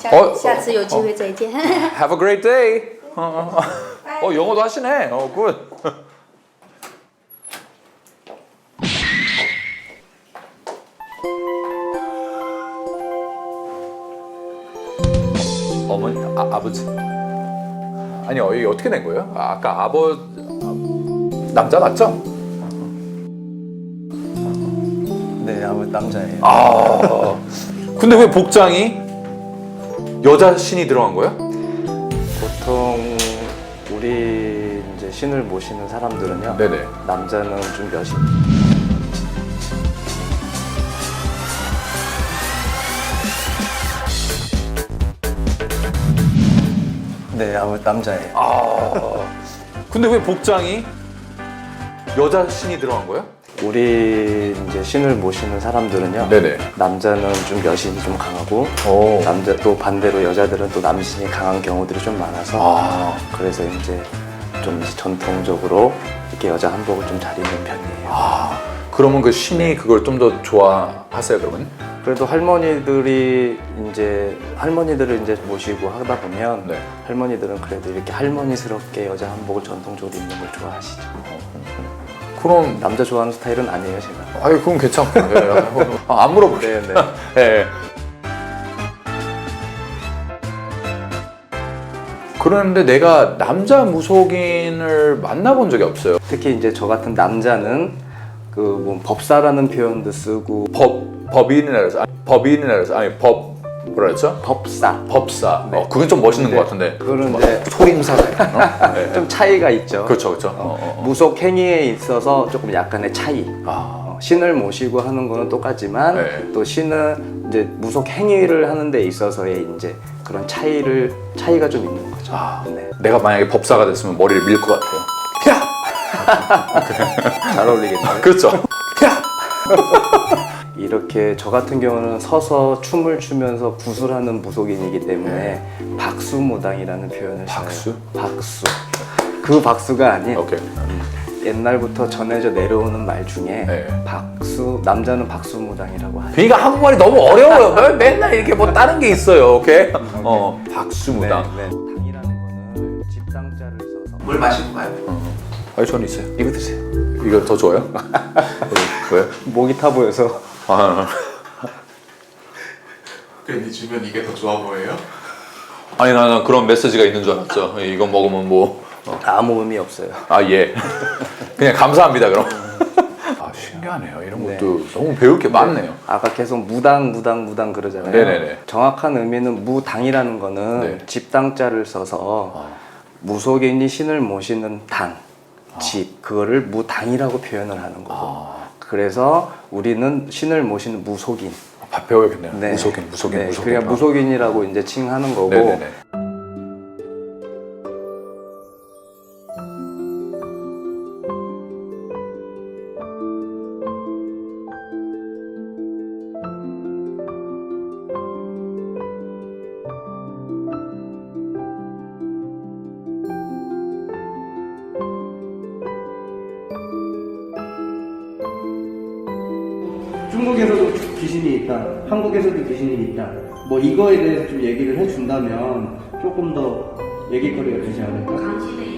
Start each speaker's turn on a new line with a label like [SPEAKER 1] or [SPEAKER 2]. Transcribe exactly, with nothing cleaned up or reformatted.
[SPEAKER 1] 下
[SPEAKER 2] 哦
[SPEAKER 1] 下次有机会再见。
[SPEAKER 2] Have a great day. 어, 어, 어 영어도 하시네. 어, 굿. 어머니, 아, 아버지. 아니요, 이게 어떻게 된 거예요? 아, 아까 아버 남자 맞죠?
[SPEAKER 3] 네, 아무 남자예요.
[SPEAKER 2] 아, 근데 왜 복장이 여자 신이 들어간 거야?
[SPEAKER 3] 보통 우리 이제 신을 모시는 사람들은요.
[SPEAKER 2] 네네.
[SPEAKER 3] 남자는 좀 여신. 네, 아무 남자예요.
[SPEAKER 2] 아, 근데 왜 복장이 여자 신이 들어간 거야?
[SPEAKER 3] 우리 이제 신을 모시는 사람들은요.
[SPEAKER 2] 네네.
[SPEAKER 3] 남자는 좀 여신이 좀 강하고
[SPEAKER 2] 오.
[SPEAKER 3] 남자 또 반대로 여자들은 또 남신이 강한 경우들이 좀 많아서
[SPEAKER 2] 아,
[SPEAKER 3] 그래서 이제 좀 이제 전통적으로 이렇게 여자 한복을 좀 잘 입는 편이에요.
[SPEAKER 2] 아, 그러면 그 신이 그걸 좀 더 좋아하세요, 그러면?
[SPEAKER 3] 그래도 할머니들이 이제 할머니들을 이제 모시고 하다 보면
[SPEAKER 2] 네.
[SPEAKER 3] 할머니들은 그래도 이렇게 할머니스럽게 여자 한복을 전통적으로 입는 걸 좋아하시죠.
[SPEAKER 2] 그럼
[SPEAKER 3] 남자 좋아하는 스타일은 아니에요, 제가.
[SPEAKER 2] 아유, 그건 괜찮고. 예, 아, 안 물어볼게요.
[SPEAKER 3] 네, 네.
[SPEAKER 2] 예. 그런데 내가 남자 무속인을 만나본 적이 없어요.
[SPEAKER 3] 특히 이제 저 같은 남자는 그 뭐 법사라는 표현도 쓰고
[SPEAKER 2] 법 법인이라 해서 아니, 법인이라 해서 아니 법 뭐라 했죠?
[SPEAKER 3] 법사.
[SPEAKER 2] 법사.
[SPEAKER 3] 네.
[SPEAKER 2] 어, 그건 좀 멋있는
[SPEAKER 3] 네.
[SPEAKER 2] 것 같은데.
[SPEAKER 3] 그거는
[SPEAKER 2] 좀
[SPEAKER 3] 이제
[SPEAKER 2] 소림사가 있나? 네.
[SPEAKER 3] 좀 차이가 있죠.
[SPEAKER 2] 그렇죠, 그렇죠. 어, 어, 어.
[SPEAKER 3] 무속 행위에 있어서 조금 약간의 차이.
[SPEAKER 2] 아,
[SPEAKER 3] 어, 신을 모시고 하는 거는 똑같지만
[SPEAKER 2] 네.
[SPEAKER 3] 또 신은 이제 무속 행위를 하는 데 있어서의 이제 그런 차이를 차이가 좀 있는 거죠.
[SPEAKER 2] 아,
[SPEAKER 3] 네.
[SPEAKER 2] 내가 만약에 법사가 됐으면 머리를 밀 것 같아요.
[SPEAKER 3] 잘 어울리겠네요.
[SPEAKER 2] 그렇죠. 야!
[SPEAKER 3] 이렇게 저 같은 경우는 서서 춤을 추면서 구슬하는 무속인이기 때문에 박수무당이라는 표현을
[SPEAKER 2] 박수?
[SPEAKER 3] 써요. 박수. 그 박수가 아닌
[SPEAKER 2] 오케이.
[SPEAKER 3] 옛날부터 전해져 내려오는 말 중에
[SPEAKER 2] 네.
[SPEAKER 3] 박수 남자는 박수무당이라고 하죠.
[SPEAKER 2] 그러니까 한국말이 너무 어려워요. 왜 맨날 이렇게 뭐 다른 게 있어요. 오케이? 어, 박수무당.
[SPEAKER 3] 네, 네. 당이라는 거는 집당자를 써서
[SPEAKER 4] 물 마시고 가요.
[SPEAKER 2] 아니, 저는 있어요. 이거 드세요. 이거 더 좋아요? 왜?
[SPEAKER 3] 목이 타 보여서
[SPEAKER 2] 아,
[SPEAKER 4] 괜히 주면 이게 더 좋아 보여요?
[SPEAKER 2] 아니 나는 그런 메시지가 있는 줄 알았죠. 이거 먹으면 뭐.
[SPEAKER 3] 아무 의미 없어요.
[SPEAKER 2] 아, 예. 그냥 감사합니다, 그럼. 아, 신기하네요. 이런
[SPEAKER 3] 네.
[SPEAKER 2] 것도 너무 배울 게 많네요.
[SPEAKER 3] 아까 계속 무당 무당 무당 그러잖아요.
[SPEAKER 2] 네네네.
[SPEAKER 3] 정확한 의미는 무당이라는 거는
[SPEAKER 2] 네.
[SPEAKER 3] 집당자를 써서 무속인이 신을 모시는 당, 집 그거를 무당이라고 표현을 하는 거고.
[SPEAKER 2] 아.
[SPEAKER 3] 그래서 우리는 신을 모시는 무속인.
[SPEAKER 2] 밥 배워야겠네요.
[SPEAKER 3] 네.
[SPEAKER 2] 무속인, 무속인,
[SPEAKER 3] 네,
[SPEAKER 2] 무속인.
[SPEAKER 3] 그냥 무속인이라고 이제 칭하는 거고.
[SPEAKER 2] 네네네.
[SPEAKER 5] 중국에서도 귀신이 있다, 한국에서도 귀신이 있다. 뭐 이거에 대해서 좀 얘기를 해준다면 조금 더 얘기거리가 되지 않을까?